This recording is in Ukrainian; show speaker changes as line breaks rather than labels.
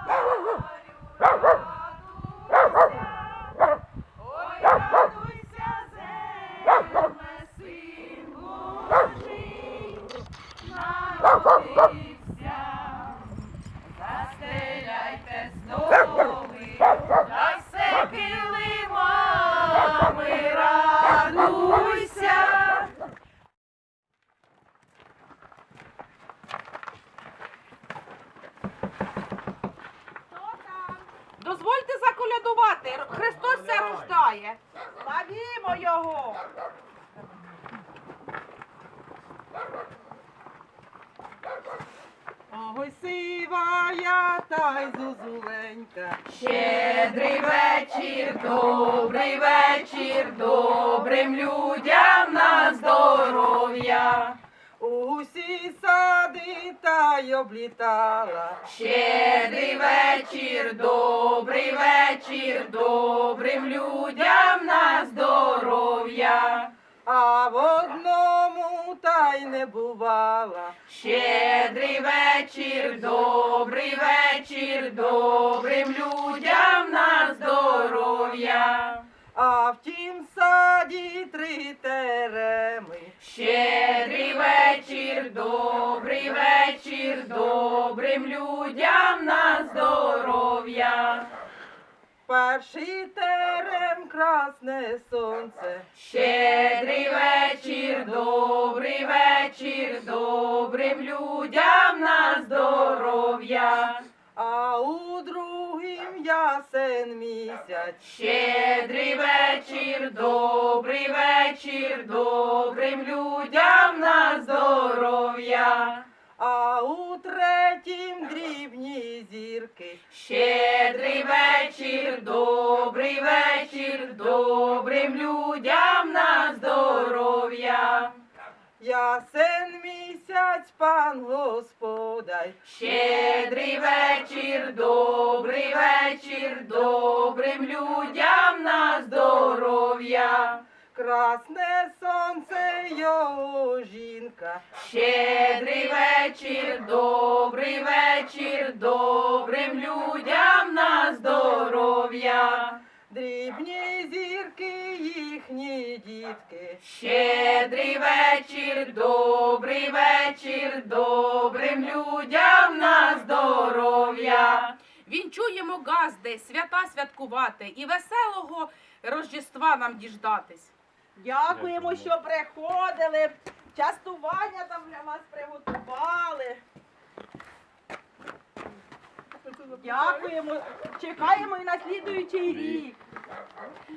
Застеляйте столи, та все килимами радуйся.
Дозвольте заколядувати, Христос ся рождає. Славімо Його. Ой, сивая та й зозуленька.
Щедрий вечір, добрим людям на здоров'я.
Усі сади та й облітала.
Щедрий вечір, добрим людям на здоров'я.
А в одному та й не бувала.
Щедрий вечір, добрим людям на здоров'я.
А в тім саді 3 тереми.
Щедрий вечір, добрим людям на здоров'я.
Перший терем красне сонце.
Щедрий вечір, добрим людям на здоров'я.
А у другім ясен місяць.
Щедрий вечір, добрим людям на здоров'я.
А у третім дрібні зірки.
Щедрий вечір, добрим людям на здоров'я.
Ясен місяць пан Господай.
Щедрий вечір, добрим людям на здоров'я.
Красне сонце його жінка.
Щедрий вечір, добрим людям на здоров'я.
Дрібні зірки їхні дітки.
Щедрий вечір, добрим людям на здоров'я.
Вінчуємо газди, свята святкувати і веселого Рождества нам діждатись.
Дякуємо, що приходили. Частування там для вас приготували. Дякуємо. Чекаємо і на слідуючий рік.